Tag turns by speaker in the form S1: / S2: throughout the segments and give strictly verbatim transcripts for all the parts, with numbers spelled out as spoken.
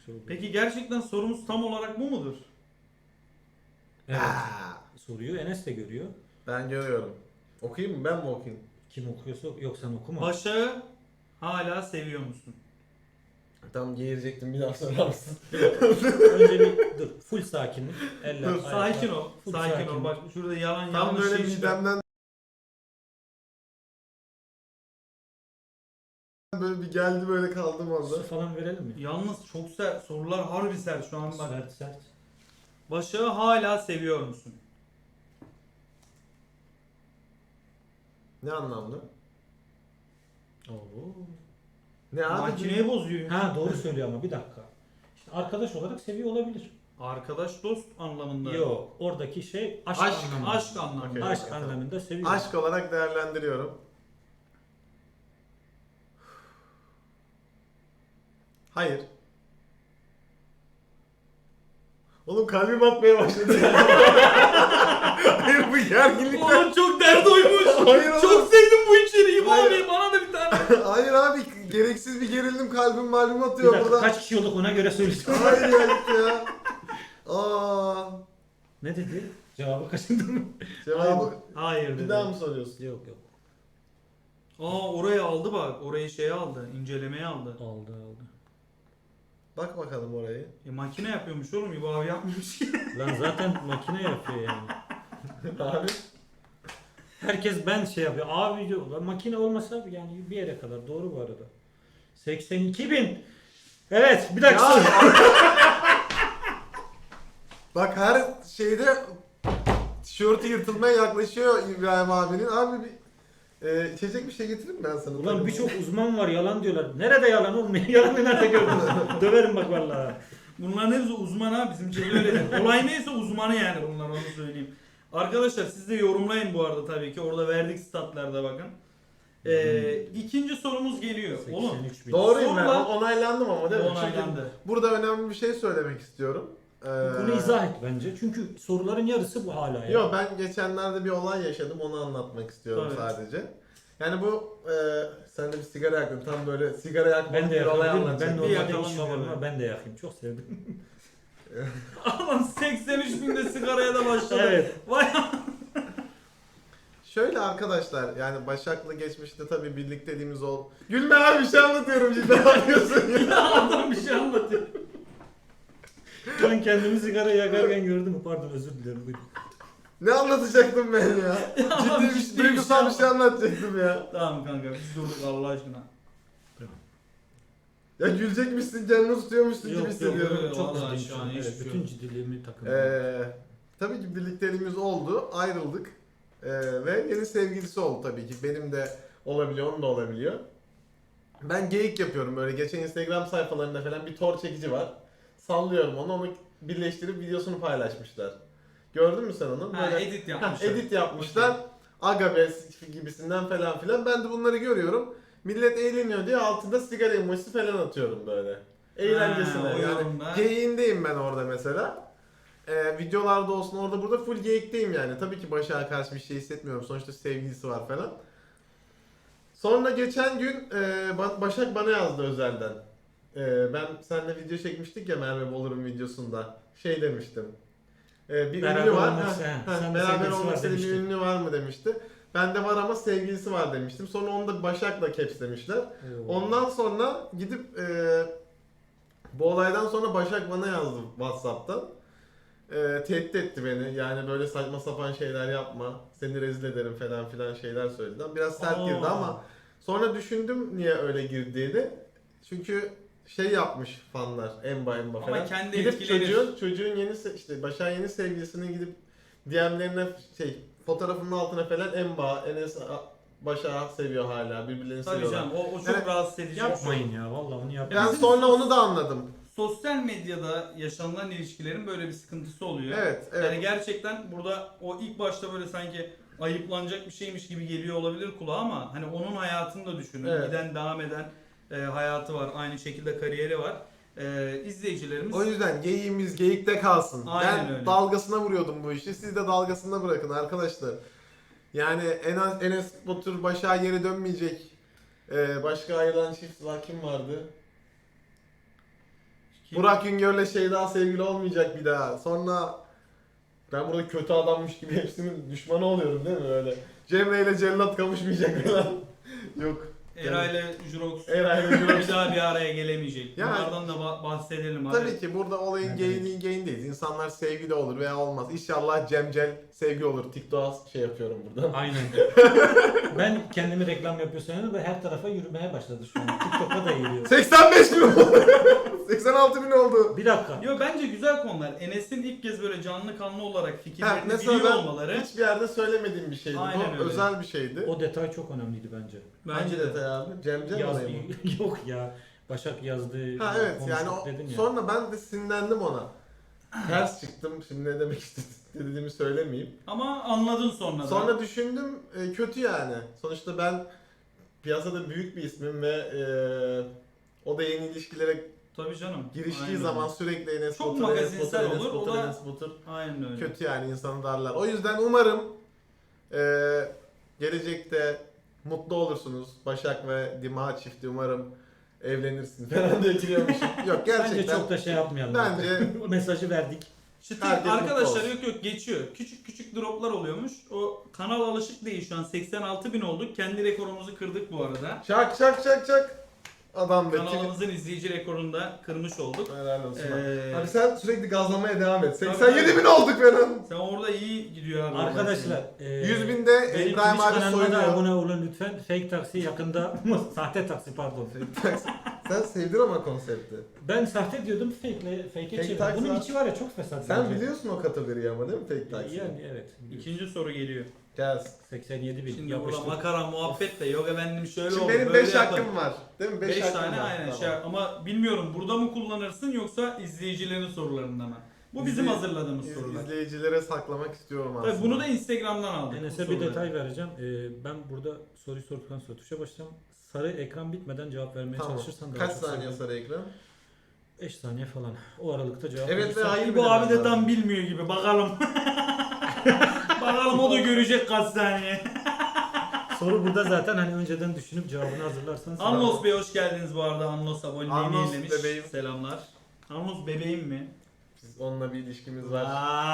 S1: şey oluyor.
S2: Peki gerçekten sorumuz tam olarak bu mudur?
S1: Evet.
S3: Aa,
S1: Soruyu Enes de görüyor.
S3: ben görüyorum. Okuyayım mı? Ben mi okuyayım?
S1: Kim okuyorsa yok sen okuma.
S2: Başak'ı hala seviyor musun?
S3: Tam geğirecektim, bir daha sorar mısın?
S1: Önce bir dur. Full sakinlik. Eller,
S3: Dur,
S1: ayaklar.
S2: Sakin ol.
S1: Full
S2: Sakin ol.
S1: sakinlik.
S2: Bak şurada yalan
S3: Tam
S2: yanlış
S3: böyle
S2: şey çıkıyor.
S3: midemden böyle bir geldi, böyle kaldım orada.
S1: Su falan verelim mi?
S2: Yalnız çok sert. Sorular harbi sert şu an bak.
S1: Sert sert.
S2: Başak'ı hala seviyor musun?
S3: Ne anlamda?
S1: Oo.
S3: Ne abi?
S2: Makineyi bozuyor.
S1: Ha doğru söylüyor ama bir dakika. İşte arkadaş olarak seviyor olabilir.
S2: Arkadaş dost anlamında.
S1: Yok. Oradaki şey aşk,
S3: Aşk,
S1: anlamında.
S2: Aşk anlamında.
S3: Okey.
S1: Aşk
S3: tamam.
S1: anlamında seviyor.
S3: Aşk olarak değerlendiriyorum. Hayır. Oğlum kalbim atmaya başladı. Hayır, bu gerginlikten.
S2: Oğlum çok dert oymuş.
S3: Hayır oğlum.
S2: Çok sevdim bu içeriği. Bu
S3: Hayır.
S2: abi bana da bir tane.
S3: Hayır abi, gereksiz bir gerildim, kalbim malum
S1: Bir
S3: atıyor
S1: dakika
S3: burada.
S1: kaç kişi olduk ona göre söyleyeceğim.
S3: Hayır ya, gitti ya. Aa,
S1: Ne dedi? Cevabı kaçırdın mı?
S3: cevabı
S2: Hayır
S3: bir
S2: dedi.
S3: daha mı soruyorsun?
S1: Yok yok.
S2: Aa orayı aldı bak. Orayı şeye aldı. İncelemeye aldı.
S1: Aldı aldı.
S3: Bak bakalım orayı.
S2: E makine yapıyormuş oğlum. İbo abi yapmıyormuş ki.
S1: Lan zaten makine yapıyor yani.
S3: Abi.
S1: Herkes ben şey yapıyor. Abi diyor. Lan makine olmasa yani bir yere kadar. Doğru bu arada. seksen iki bin. Evet bir dakika.
S3: Ya.
S1: sor.
S3: Bak her şeyde tişörtü yırtılmaya yaklaşıyor İbrahim abinin. Abi bir e, içecek bir şey getireyim mi ben sana?
S1: Ulan birçok uzman var yalan diyorlar. Nerede yalan olmuyor? Yalanı nerede gördünüz? Döverim bak vallahi.
S2: Bunların hepsi uzman ha. Bizim için öyle. Olay neyse uzmanı yani bunlar, onu söyleyeyim. Arkadaşlar siz de yorumlayın bu arada tabii ki. Orada verdik statlarda bakın. Ee, ikinci sorumuz geliyor. Oğlum.
S1: seksen üç bin.
S3: Doğruyum ben.
S2: Sorular-
S3: Onaylandım ama değil mi?
S2: Onaylandı.
S3: Çünkü burada önemli bir şey söylemek istiyorum. Ee,
S1: Bunu izah et bence. Çünkü soruların yarısı bu hala ya.
S3: Yok, ben geçenlerde bir olay yaşadım, onu anlatmak istiyorum
S2: Tabii.
S3: sadece. Yani bu e, sen de bir sigara yaktın, tam böyle sigara yakmak
S1: Ben de
S3: bir olay
S1: yakabilirim. Ben
S3: anlatacaktım.
S2: Bir
S1: normalde
S2: yakalım
S1: hiç
S2: ya.
S1: yapamam ama ben de yakayım. Çok sevdim.
S2: Aman seksen üç binde sigaraya da başladı.
S1: Evet.
S2: Vay
S3: Şöyle arkadaşlar, yani Başak'la geçmişte tabii birlikteliğimiz ol. Gülme abi, bir şey anlatıyorum, cidden anlıyorsun ya.
S2: adam bir şey anlatıyor.
S1: Ben kendimi sigara yakarken gördüm. Pardon özür dilerim. Buyurun.
S3: Ne anlatacaktım ben ya?
S2: Ama
S3: Ciddi bir
S2: ciddi bir
S3: duygusal bir
S2: şey
S3: şey anlatacaktım ya.
S2: Tamam kanka biz durduk Allah aşkına.
S3: Ya gülecekmişsin, kendini tutuyormuşsun gibi
S1: Yok yok
S3: hissediyorum.
S1: yok. Çok
S2: Vallahi
S1: ciddiyim
S2: şu
S1: şu
S2: an
S1: an.
S2: hiçbir
S1: Evet,
S2: şey
S1: bütün
S2: yok.
S1: ciddiliğimi takındım.
S3: Ee, tabii ki birlikteliğimiz oldu, ayrıldık. Ee, ve yeni sevgilisi oldu tabii ki. Benim de olabiliyor, onun da olabiliyor. Ben geyik yapıyorum böyle. Geçen Instagram sayfalarında falan bir tor çekici var. Sallıyorum onu, onu birleştirip videosunu paylaşmışlar. Gördün mü sen onu?
S2: Ha,
S3: Böyle
S2: edit
S3: ha,
S2: yapmışlar.
S3: edit yapmışlar. Aga be gibisinden falan filan. Ben de bunları görüyorum. Millet eğleniyor diye altında sigara emojisi falan atıyorum böyle. Eğlencesine.
S2: Ha, o
S3: yani
S2: yorumda.
S3: geyiğindeyim ben orada mesela. Ee, videolarda olsun, orada burada full geyikteyim yani. Tabii ki Başak'a karşı bir şey hissetmiyorum. Sonuçta sevgilisi var falan. Sonra geçen gün e, Ba- Başak bana yazdı özelden. E, ben seninle video çekmiştik ya Merve Bolur'un videosunda. Şey demiştim. E, bir
S1: Beraber
S3: ünlü var.
S1: olmak
S3: Ha,
S1: isteyen,
S3: ha,
S1: sen de
S3: beraber
S1: sevgilisi
S3: olmak
S1: var
S3: istediğin bir
S1: demiştin.
S3: ünlü var mı demişti. Ben de var ama sevgilisi var demiştim. Sonra onu da Başak'la capslemişler.
S1: Oo.
S3: Ondan sonra gidip e, bu olaydan sonra Başak bana yazdı WhatsApp'tan. E, tehdit etti beni. Yani böyle saçma sapan şeyler yapma. Seni rezil ederim falan filan şeyler söyledi. Biraz sert girdi
S1: Aa.
S3: ama sonra düşündüm niye öyle girdiğini. Çünkü şey yapmış fanlar, Emba Emba
S2: Ama
S3: falan.
S2: kendi
S3: gidip
S2: etkilenir.
S3: çocuğun, çocuğun yeni se- işte Başak'ın yeni sevgilisinin gidip D M'lerine şey fotoğrafının altına falan Emba, Enes a- Başak'ı seviyor hala. Birbirlerini
S2: Tabii
S3: seviyorlar.
S2: canım o, o çok
S3: Evet.
S2: rahatsız edici. bir şey.
S1: Yapmayın ya vallahi onu
S3: Ben
S1: yapmayın.
S2: bizim
S3: sonra
S2: sos-
S3: onu da anladım.
S2: Sosyal medyada yaşanılan ilişkilerin böyle bir sıkıntısı oluyor.
S3: Evet, evet.
S2: Yani gerçekten burada o ilk başta böyle sanki ayıplanacak bir şeymiş gibi geliyor olabilir kulağa ama hani onun hayatını da düşünün.
S3: Evet.
S2: Giden devam eden e, hayatı var. Aynı şekilde kariyeri var. E, izleyicilerimiz
S3: O yüzden geyiğimiz geyikte kalsın.
S2: Aynen
S3: ben
S2: öyle.
S3: dalgasına vuruyordum bu işi. Siz de dalgasına bırakın arkadaşlar. Yani en az Enes Batur Başak'a geri dönmeyecek. Ee, başka ayrılan çift var, kim vardı? Burak Güngör'le Şeyda sevgili olmayacak bir daha. Sonra ben burada kötü adammış gibi hepsinin düşmanı oluyorum değil mi öyle? Cemre ile Cellat kavuşmayacak falan. Yok.
S2: Eray ile Jurox
S3: Eray ile Jurox.
S2: bir daha bir araya gelemeyecek.
S3: Yani-
S2: Bunlardan da ba- bahsedelim abi.
S3: Tabii ki burada olayın
S1: Ne
S3: geyini geyindeyiz. İnsanlar sevgili olur veya olmaz. İnşallah Cemcel sevgi olur. TikTok'a şey yapıyorum burada.
S1: Aynen. Ben kendimi reklam yapıyor sanıyorum ve her tarafa yürümeye başladı şu an. TikTok'a da geliyor.
S3: seksen beş bin oldu. seksen altı bin oldu.
S1: Bir dakika.
S2: Yo bence güzel konular. Enes'in ilk kez böyle canlı kanlı olarak
S3: Ha,
S2: fikirlerini
S3: mesela
S2: biliyor
S3: ben
S2: olmaları
S3: hiçbir yerde söylemediğim bir şeydi.
S2: Aynen
S3: Bu
S2: öyle.
S3: özel bir şeydi.
S1: O detay çok önemliydi bence.
S3: Hangi detay abi? Cemcel
S1: Yaz,
S3: olayı mı?
S1: yok ya. Başak yazdığı
S3: Ha evet yani
S1: konuştuk
S3: o,
S1: dedin ya.
S3: sonra ben de sinirlendim ona. Ters çıktım. Şimdi ne demek istediğimi söylemeyeyim.
S2: ama anladın sonra da.
S3: Sonra düşündüm e, kötü yani. Sonuçta ben piyasada büyük bir ismim ve e, o da yeni ilişkilere
S2: Tabii canım.
S3: giriştiği
S2: Aynen
S3: zaman
S2: öyle.
S3: sürekli Enes
S2: Çok
S3: Batur, Enes
S2: magazinsel
S3: Batur, Enes
S2: olur, o
S3: Batur,
S2: da-
S3: Enes Batur.
S2: Aynen öyle.
S3: Kötü yani insanı darlar. O yüzden umarım e, gelecekte mutlu olursunuz. Başak ve Dima çifti umarım evlenirsin falan diye giriyormuşum. Yok gerçekten.
S1: Bence çok da şey yapmayalım.
S3: Bence-
S1: O mesajı verdik.
S2: Çıtır
S3: Herkes mutlu
S2: arkadaşlar
S3: olsun.
S2: yok yok geçiyor. Küçük küçük droplar oluyormuş. O kanal alışık değil şu an seksen altı bin olduk. Kendi rekorumuzu kırdık bu arada.
S3: Çak çak çak çak. Adam be.
S2: Kanalımızın izleyici rekorunu da kırmış olduk.
S3: Helal olsun.
S2: Ee,
S3: Abi sen sürekli gazlamaya devam et.
S2: Tabii,
S3: seksen yedi bin olduk falan.
S2: Sen orada iyi gidiyor abi.
S1: Arkadaşlar. e,
S3: yüz binde
S1: benim
S3: İbrahim
S1: Twitch
S3: abi
S1: kanalıma da
S3: soyunuyor.
S1: abone olun lütfen. Fake taksi yakında. Sahte taksi pardon.
S3: Sen sevdin ama konsepti.
S1: Ben sahte diyordum fake'le fake'e
S3: Fake
S1: çevirdim.
S3: taksi
S1: Bunun
S3: var.
S1: içi var ya çok fesat.
S3: Sen
S1: bence.
S3: biliyorsun o kategoriyi ama değil mi tek taksi?
S1: Yani evet.
S2: İkinci soru geliyor.
S3: Gelsin.
S1: seksen yedi bin
S2: Şimdi burada
S1: yapıştır.
S2: makara muhabbet de yok efendim şöyle
S3: Şimdi
S2: oldu
S3: benim
S2: böyle
S3: beş
S2: yapın.
S3: hakkım var. Değil mi? beş
S2: beş
S3: hakkım
S2: tane
S3: var.
S2: aynen
S3: Tamam.
S2: şey ama bilmiyorum burada mı kullanırsın yoksa izleyicilerin sorularında mı? Bu bizim
S3: İzley-
S2: hazırladığımız
S3: İz-
S2: sorular.
S3: İzleyicilere saklamak istiyorum aslında.
S2: Tabii bunu da Instagram'dan aldık. bu
S1: Enes'e bir
S2: soruları.
S1: detay vereceğim. Ee, ben burada soruyu sorduktan sonra tuşa basacağım. Sarı ekran bitmeden cevap vermeye
S3: Tamam.
S1: çalışırsan daha
S3: Kaç
S1: çok
S3: saniye
S1: sevinirim.
S3: sarı ekran?
S1: beş saniye falan. O aralıkta cevap
S3: Evet
S1: verirsen-
S3: ve hayır.
S2: Bu abi de tam bilmiyor gibi bakalım. Bakalım o da görecek kaç saniye.
S1: Soru burada zaten hani önceden düşünüp cevabını hazırlarsanız.
S2: Anlos Bey hoş geldiniz bu arada. Anlos aboneliğini
S3: Anlos
S2: yenilemiş.
S3: bebeğim.
S2: Selamlar. Anlos bebeğim mi?
S3: Biz onunla bir ilişkimiz var.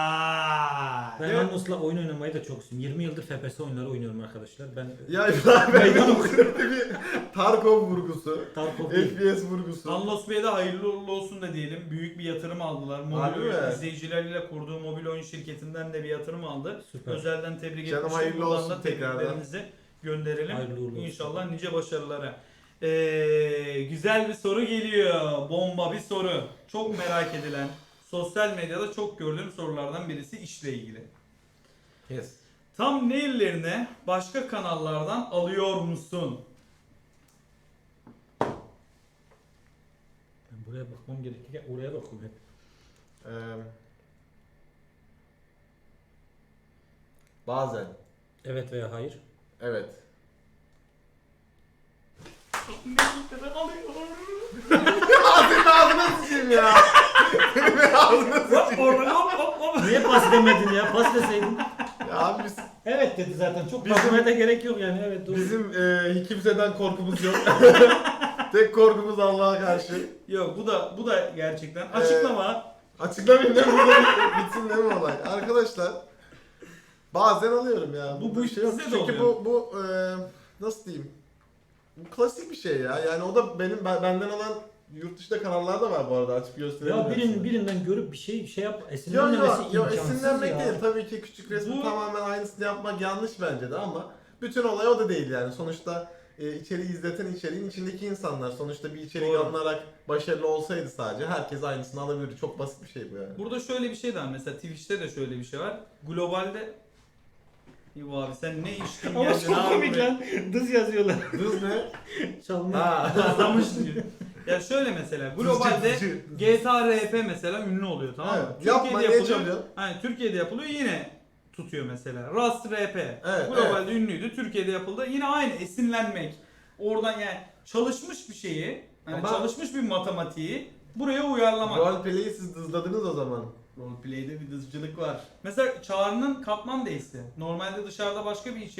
S2: Vay.
S1: Ben
S3: Evet.
S1: Anlos'la oyun oynamayı da çok istiyorum. yirmi yıldır F P S oyunları oynuyorum arkadaşlar. Ben
S3: Ya İbrahim
S1: Meydan
S3: Bey'in sürekli bir Tarkov vurgusu,
S1: Tarkov değil.
S3: F P S vurgusu.
S2: Anlos Bey'e de hayırlı uğurlu olsun da diyelim. Büyük bir yatırım aldılar.
S3: Harbi
S2: Mobil oyun
S3: mi?
S2: izleyicileriyle kurduğu mobil oyun şirketinden de bir yatırım aldı.
S1: Süper.
S2: Özelden tebrik
S3: Canım
S2: etmiştim.
S3: hayırlı
S2: Buradan
S3: olsun
S2: da
S3: tekrardan.
S2: tebriklerimizi gönderelim.
S1: Hayırlı uğurlu olsun.
S2: İnşallah nice başarılara. Ee, güzel bir soru geliyor. Bomba bir soru. Çok merak edilen, sosyal medyada çok gördüğüm sorulardan birisi işle ilgili.
S3: Yes.
S2: Thumbnail'lerine başka kanallardan alıyor musun?
S1: Ben buraya bakmam gerekirken oraya bakıyorum hep.
S3: Ee, bazen.
S1: Evet veya hayır.
S3: Evet. Ağzını ağzına sıçayım ya. Benim ağzına sıçayım.
S1: Niye pas demedin ya? Pas deseydin.
S3: Ya abi biz,
S1: Evet dedi zaten. Çok
S3: Bizim-
S1: bakmaya da gerek yok yani. Evet doğru.
S3: bizim e, kimseden korkumuz yok. Tek korkumuz Allah'a karşı.
S2: Yok bu da bu da gerçekten açıklama.
S3: Açıklamayayım değil mi? Burada bir- bitsin değil mi olay? Arkadaşlar bazen alıyorum ya.
S2: Bu-
S3: Bu,
S2: bu
S3: bir şey yok.
S2: bize de
S3: Çünkü
S2: oluyor.
S3: bu bu e, nasıl diyeyim? Bu klasik bir şey ya. Yani o da benim ben- benden olan yurt dışında kanallar da var bu arada açıp gösterelim.
S1: Ya birinin
S3: hepsini.
S1: birinden görüp bir şey şey yap
S3: Yok
S1: esinlenmemesi
S3: yok yok
S1: imkansız
S3: esinlenmek
S1: ya.
S3: değil. Tabii ki küçük resmi
S2: Bu-
S3: tamamen aynısını yapmak yanlış bence de ama bütün olay o da değil yani. Sonuçta e, içeriği izleten içeriğin içindeki insanlar. Sonuçta bir içerik
S2: Doğru.
S3: alınarak başarılı olsaydı sadece herkes aynısını alabilirdi. Çok basit bir şey bu yani.
S2: Burada şöyle bir şey de var. Mesela Twitch'te de şöyle bir şey var. Globalde İbo abi sen ne içtin
S1: Ama
S2: geldin
S1: çok
S2: abi
S1: komik
S2: buraya?
S1: lan. Dız yazıyorlar.
S3: Hız ne?
S1: Çalma.
S3: Ha.
S2: Anlamış diyor. Ya şöyle mesela globalde
S3: Hızcı.
S2: G T A R P mesela ünlü oluyor tamam mı?
S3: Evet. Yapma, niye
S2: yapılıyor.
S3: çalıyorsun?
S2: Hani Türkiye'de yapılıyor yine tutuyor mesela. Rust R P
S3: Evet,
S2: globalde ünlüydü. Türkiye'de yapıldı. Yine aynı esinlenmek. Oradan yani çalışmış bir şeyi, yani
S3: Ama-
S2: çalışmış bir matematiği buraya uyarlamak.
S3: Roleplay'i siz hızladınız o zaman.
S2: Roleplay'de bir dızcılık var. Mesela Çağrı'nın Kaplan Days'i. Normalde dışarıda başka bir içerik.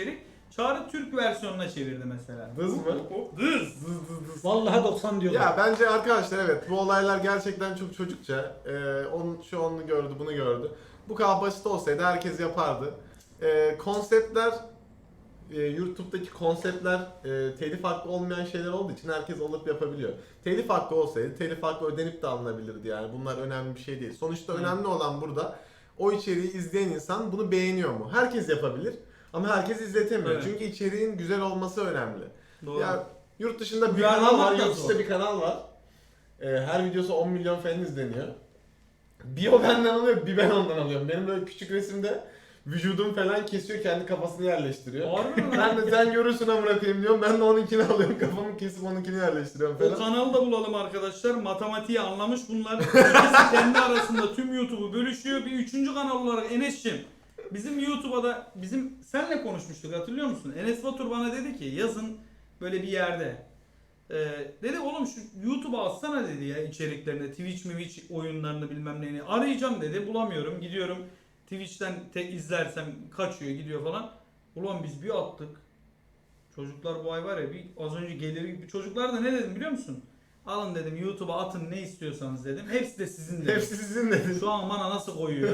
S2: Çağrı Türk versiyonuna çevirdi mesela.
S3: Dız mı?
S2: Dız.
S3: Dız dız dız.
S1: Vallahi doksan diyorlar.
S3: Ya bence arkadaşlar evet bu olaylar gerçekten çok çocukça. Ee, onun şu onu gördü, bunu gördü. Bu kadar basit olsaydı herkes yapardı. Ee, konseptler e, YouTube'daki konseptler e, telif hakkı olmayan şeyler olduğu için herkes alıp yapabiliyor. Telif hakkı olsaydı telif hakkı ödenip de alınabilirdi yani. Bunlar önemli bir şey değil. Sonuçta
S2: Hı.
S3: önemli olan burada o içeriği izleyen insan bunu beğeniyor mu? Herkes yapabilir ama herkes izletemiyor.
S2: Evet.
S3: Çünkü içeriğin güzel olması önemli.
S2: Doğru.
S3: Ya yurt dışında bir
S2: Uyarlamak
S3: kanal var,
S2: da
S3: yurt
S2: zor.
S3: dışında bir kanal var. Ee, her videosu on milyon falan izleniyor. Bir o benden alıyor, bir ben ondan alıyorum. Benim böyle küçük resimde vücudum falan kesiyor, kendi kafasını yerleştiriyor.
S2: Harbi mi lan?
S3: Ben de sen görürsün amına koyayım diyorum. Ben de onunkini alıyorum, kafamı kesip onunkini yerleştiriyorum
S2: O
S3: falan.
S2: kanalı da bulalım arkadaşlar. Matematiği anlamış bunlar. İkisi kendi arasında tüm YouTube'u bölüşüyor. Bir üçüncü kanal olarak Enes'cim. Bizim YouTube'a da bizim senle konuşmuştuk hatırlıyor musun? Enes Batur bana dedi ki yazın böyle bir yerde. Ee, dedi oğlum şu YouTube'a atsana dedi ya içeriklerini. Twitch mi Twitch oyunlarını bilmem neyini. Arayacağım dedi bulamıyorum. Gidiyorum Twitch'ten tek izlersem kaçıyor gidiyor falan. Ulan biz bir attık. Çocuklar bu ay var ya bir az önce gelir gibi. Çocuklar da ne dedim biliyor musun? Alın dedim YouTube'a atın ne istiyorsanız dedim. Hepsi de sizin dedim.
S3: Hepsi sizin dedi.
S2: Şu an bana nasıl koyuyor?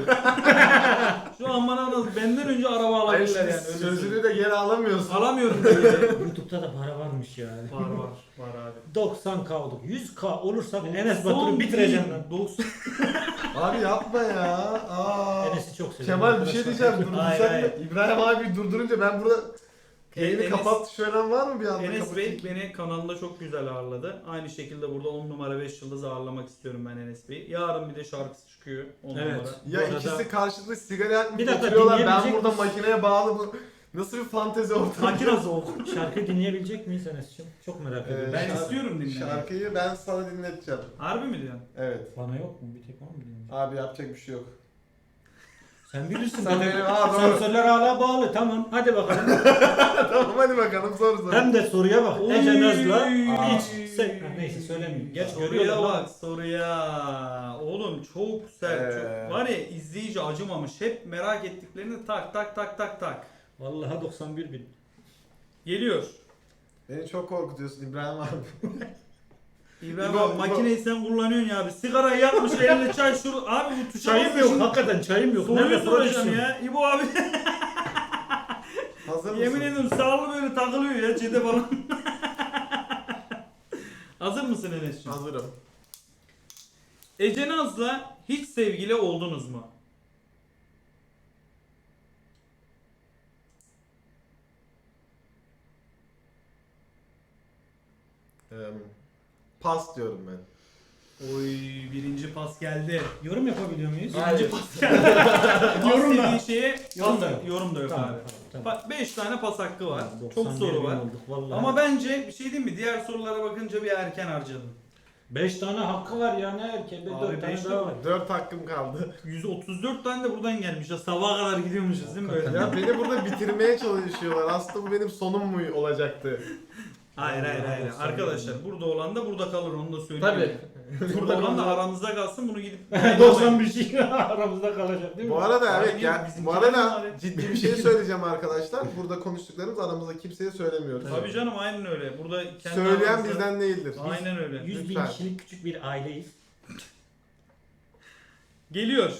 S2: Şu an bana nasıl? Benden önce araba
S3: Hayır
S2: alabilirler
S3: şimdi
S2: yani. öyle
S3: sözünü
S2: söyleyeyim.
S3: de geri alamıyorsun.
S2: Alamıyorum dedi.
S1: YouTube'da da para varmış yani.
S2: Var var. Var abi.
S1: doksan K olduk. yüz K olursa Enes Batur'u bitireceğim ben.
S2: doksan
S3: Abi yapma ya. Aa.
S1: Enes'i çok seviyorum.
S3: Kemal bir şey diyeceğim.
S2: Hayır,
S3: Durdursak
S2: hayır.
S3: mı? İbrahim abi durdurunca ben burada yayını
S2: Enes-
S3: kapat şöyle var mı bir anda?
S2: Enes
S3: kapatayım?
S2: Bey beni kanalında çok güzel ağırladı. Aynı şekilde burada on numara beş yıldız ağırlamak istiyorum ben Enes Bey'i. Yarın bir de şarkısı çıkıyor on
S1: Evet.
S2: numara.
S3: Ya
S1: Bu arada-
S3: ikisi karşılıklı sigara yakmış
S1: Bir dakika,
S3: oturuyorlar. Ben
S1: dinleyebilecek
S3: burada
S1: misin?
S3: makineye bağlı bu. Nasıl bir fantezi ortamı?
S2: Makine soğuk.
S1: Şarkı dinleyebilecek miyiz Enes'cim? Çok merak
S3: Ee,
S1: ediyorum.
S2: Ben
S3: şarkı-
S2: istiyorum dinlemeyi.
S3: Şarkıyı ben sana dinleteceğim.
S2: Harbi mi diyorsun?
S3: Evet.
S1: Bana yok mu? Bir tek bana mı dinleyecek?
S3: Abi yapacak bir şey yok.
S1: Sen bilirsin.
S3: Sen
S1: dedim.
S3: benim- Aa, doğru.
S1: Sensörler hala bağlı. Tamam. Hadi bakalım.
S3: Tamam hadi bakalım sor sor.
S1: Hem de soruya bak.
S2: Oy.
S1: Ece Naz'la
S2: Aa.
S1: hiç se- ha, neyse söylemeyeyim. Geç
S2: Soruya
S1: görüyorlar
S2: bak
S1: lan.
S2: soruya. Oğlum çok sert.
S3: Ee.
S2: Çok. Var ya izleyici acımamış. Hep merak ettiklerini tak tak tak tak tak.
S1: Vallahi doksan bir bin.
S2: Geliyor.
S3: Beni çok korkutuyorsun İbrahim abi.
S2: İbrahim
S3: İbo,
S2: abi
S3: İbo.
S2: makineyi sen kullanıyorsun ya abi. Sigarayı yakmış eline çay şur. Abi bu tuşa
S1: Çayım
S2: basıyorsun.
S1: yok. Hakikaten çayım yok.
S2: Soruyu
S1: Nerede
S2: soracağım
S1: prodüksiyon?
S2: ya. İbo abi
S3: Hazır mısın?
S2: yemin ediyorum sağlı böyle takılıyor ya çete falan. Hazır mısın Enes'ciğim?
S3: Hazırım.
S2: Ece Naz'la hiç sevgili oldunuz mu?
S3: Ee, pas diyorum ben.
S2: Oy birinci pas geldi.
S1: Yorum yapabiliyor muyuz?
S3: Hayır.
S2: Yorum
S1: da.
S2: dediği şeye
S1: Yorum da yok.
S2: yorum da yok
S1: Tamam,
S2: abi.
S1: tamam, tamam.
S2: Bak beş tane pas hakkı var.
S1: Tamam,
S2: Çok
S1: doksan bir
S2: soru
S1: bin
S2: var.
S1: olduk vallahi.
S2: Ama bence bir şey diyeyim mi? Diğer sorulara bakınca bir erken harcadım.
S1: beş tane hakkı var ya ne erken. Bir
S2: Abi
S1: dört tane
S2: beş
S1: daha
S2: de-
S1: var.
S3: Dört hakkım kaldı.
S2: yüz otuz dört tane de buradan gelmiş. Ya sabaha kadar gidiyormuşuz değil mi böyle?
S3: Ya beni burada bitirmeye çalışıyorlar. Aslında bu benim sonum mu olacaktı?
S2: Hayır hayır hayır.
S1: doksan
S2: Arkadaşlar burada olan da burada kalır onu da söyleyeyim.
S3: Tabii.
S2: Burada olan da aranızda kalsın bunu gidip
S1: doksan bir şey aramızda kalacak değil mi?
S3: Bu arada
S2: Abi
S3: evet
S2: niye
S3: ya
S2: bizimkiler
S3: bu
S2: mi
S3: arada
S2: var?
S3: ciddi bir şey söyleyeceğim arkadaşlar. Burada konuştuklarımız aramızda kimseye söylemiyoruz.
S2: Tabii canım aynen öyle. Burada kendi
S3: Söyleyen
S2: aranızda-
S3: bizden değildir.
S2: Aynen öyle.
S1: yüz bin
S3: Lütfen.
S1: kişilik küçük bir aileyiz.
S2: Geliyor.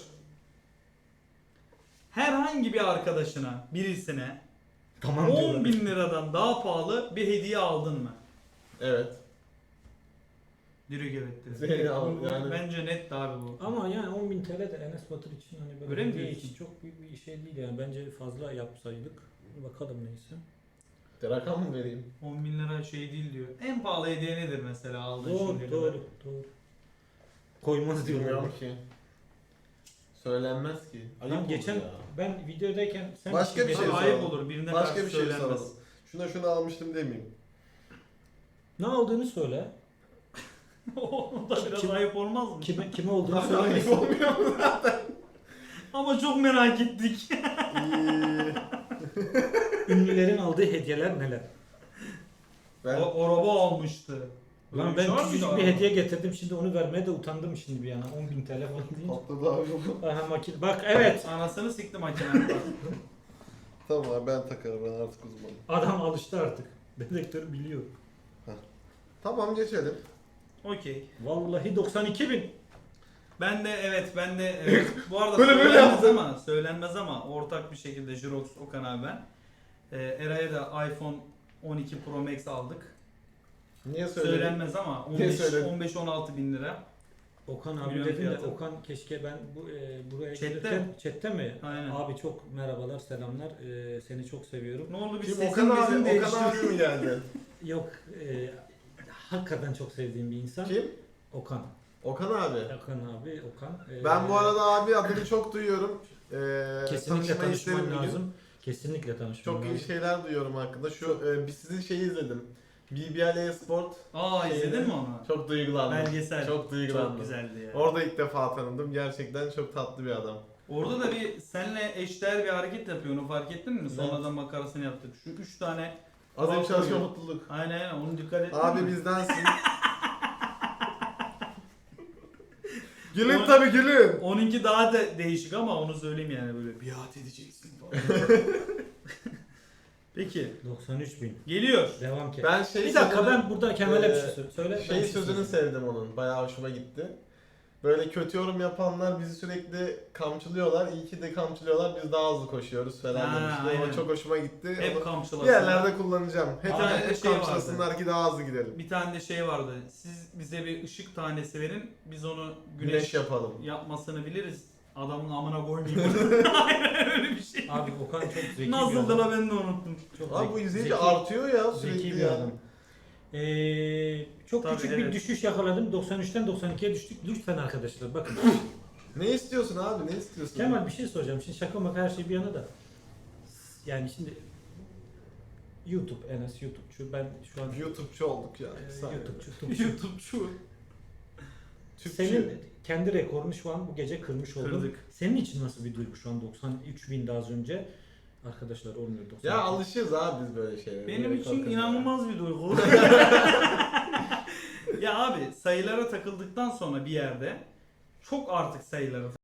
S2: Herhangi bir arkadaşına, birisine
S1: Tamam
S2: on
S1: diyorlar.
S2: bin liradan daha pahalı bir hediye aldın mı?
S3: Evet.
S2: Direkt evet dedi.
S3: Zeyni al,
S2: Bu- bu-
S3: yani.
S2: Bence net abi bu.
S1: Ama yani on bin T L de Enes Batur için hani böyle
S2: Öyle mi
S1: hediye
S2: diyorsun?
S1: için çok büyük bir şey değil yani. Bence fazla yapsaydık. Bakalım neyse.
S3: Rakam mı vereyim?
S2: on bin lira şey değil diyor. En pahalı hediye nedir mesela aldığın
S1: Doğru,
S2: şimdiye
S1: doğru,
S2: kadar?
S1: doğru. Koymaz diyorlar.
S3: Bilmiyorum ki. Söylenmez ki. Ayıp
S1: Lan
S3: olur
S1: geçen
S3: ya.
S1: ben videodayken sen
S3: Başka bir
S2: Abi
S3: şey
S2: ayıp
S3: soralım.
S2: olur birine
S3: Başka
S2: karşı
S3: bir şey
S2: söylenmez.
S3: soralım. Şuna şunu almıştım demeyeyim.
S1: Ne olduğunu söyle.
S2: O da biraz
S1: Kim-
S2: ayıp olmaz mı?
S1: Kime kime olduğunu
S3: Ayıp
S1: söylemesin.
S3: olmuyor mu?
S2: Ama çok merak ettik.
S3: İyi.
S1: Ünlülerin aldığı hediyeler neler?
S3: Ben
S2: O araba almıştı.
S1: Lan
S2: Öyle
S1: ben
S2: şey var
S1: küçücük
S2: mıydı
S1: bir
S2: araba?
S1: hediye getirdim şimdi onu vermeye de utandım şimdi bir yana. on bin T L falan deyince.
S3: patladı abi bu.
S1: Aha makine. Bak evet.
S2: Anasını siktim makinenin.
S3: Tamam abi ben takarım, ben artık uzmanım.
S1: Adam alıştı artık. Dedektör biliyor.
S3: Tamam geçelim.
S2: Okey.
S1: Vallahi doksan iki bin.
S2: Ben de evet ben de evet. Bu arada
S3: Böyle böyle
S2: söylenmez
S3: yaptın.
S2: ama söylenmez ama ortak bir şekilde Jirox, Okan abi ben. Ee, Eray'a da iPhone on iki Pro Max aldık.
S3: Niye söyledin?
S2: Söylenmez ama
S3: Niye söyledin?
S2: on beş on altı bin lira.
S1: Okan abi
S2: Milyon
S1: dedin de
S2: fiyatı.
S1: Okan keşke ben bu e, buraya
S2: Chatte
S1: gelirken chatte mi?
S2: Aynen.
S1: Abi çok merhabalar, selamlar. E, seni çok seviyorum.
S2: Ne oldu bir
S3: Kim
S2: sesin
S3: Okan abi,
S2: bizim değişti.
S3: Okan abi mi geldi?
S1: Yok e, hakikaten çok sevdiğim bir insan.
S3: Kim?
S1: Okan.
S3: Okan abi.
S1: Okan abi, Okan. E,
S3: Ben bu arada abi adını çok duyuyorum. Ee,
S1: kesinlikle
S3: tanışmayı isterim
S1: tanışman
S3: bir gün.
S1: lazım. Kesinlikle tanışman
S3: Çok
S1: lazım.
S3: iyi şeyler duyuyorum hakkında. Şu e, bir sizin şeyi izledim. B B L e-sport.
S2: Aa izledin mi onu?
S3: Çok duygulandım.
S2: Belgesel.
S3: Çok duygulandım.
S2: Çok güzeldi ya.
S3: Orada ilk defa tanıdım. Gerçekten çok tatlı bir adam.
S2: Orada da bir senle eşdeğer bir hareket yapıyor, onu fark ettin mi? Sonradan makarasını yaptık. Şu üç tane
S3: Azim
S2: Bravo
S3: çalışma
S2: diyor.
S3: mutluluk.
S2: aynen aynen onu dikkat ettin
S3: Abi
S2: mi?
S3: bizdensin. Gülün
S2: O-
S3: tabi gülün.
S2: Onunki daha da değişik ama onu söyleyeyim yani böyle biat edeceksin falan. Peki
S1: doksan üç bin.
S2: geliyor.
S1: Devam ki.
S3: Ben şey
S1: bir dakika
S3: sözünü-
S1: ben burada Kemal'e bir
S3: Ee,
S1: şey söyle. söyle. ben
S3: Şey
S1: bir şey
S3: sözünü
S1: söyleyeyim.
S3: sevdim onun. Bayağı hoşuma gitti. Böyle kötü yorum yapanlar bizi sürekli kamçılıyorlar. İyi ki de kamçılıyorlar. Biz daha hızlı koşuyoruz falan
S2: Ha,
S3: demişti.
S2: aynen.
S3: O çok hoşuma gitti.
S2: Hep
S3: Onu
S2: kamçılasın.
S3: bir yerlerde kullanacağım. Hep,
S2: Aynen,
S3: hep
S2: şey vardı.
S3: kamçılasınlar ki daha hızlı gidelim.
S2: Bir tane de şey vardı. Siz bize bir ışık tanesi verin. Biz onu
S3: Güneş,
S2: güneş,
S3: yapalım.
S2: yapmasını biliriz. Adamın amına koymayayım. Aynen öyle bir şey.
S1: Abi Okan çok zeki bir
S2: Nasıldı
S1: adam.
S2: la ben de unuttum.
S1: Çok
S3: Abi
S1: zeki-
S3: bu izleyince
S1: zeki-
S3: artıyor ya sürekli
S1: Zeki bir
S3: yani.
S1: adam. Ee, çok
S2: Tabii,
S1: küçük
S2: evet.
S1: bir düşüş yakaladım. doksan üçten doksan ikiye düştük. Lütfen arkadaşlar bakın.
S3: Ne istiyorsun abi? Ne istiyorsun?
S1: Kemal bir şey soracağım. Şimdi şaka maka her şey bir yana da. Yani şimdi YouTube, Enes YouTube'cu. Ben şu an
S3: YouTube'cu olduk ya.
S1: e,
S3: Bir saniye.
S1: YouTube'cu. YouTube'cu.
S2: YouTube'cu.
S3: Türkçü.
S1: Senin kendi rekorunu şu an bu gece kırmış oldun.
S2: Kırdık.
S1: Senin için nasıl bir duygu şu an doksan üç bin daha az önce? Arkadaşlar olmuyor doksan.
S3: Ya alışırız abi biz böyle şeylere.
S2: Benim
S3: Böyle
S2: için
S3: korkarız
S2: inanılmaz bir duygu. Ya abi sayılara takıldıktan sonra bir yerde çok artık sayılara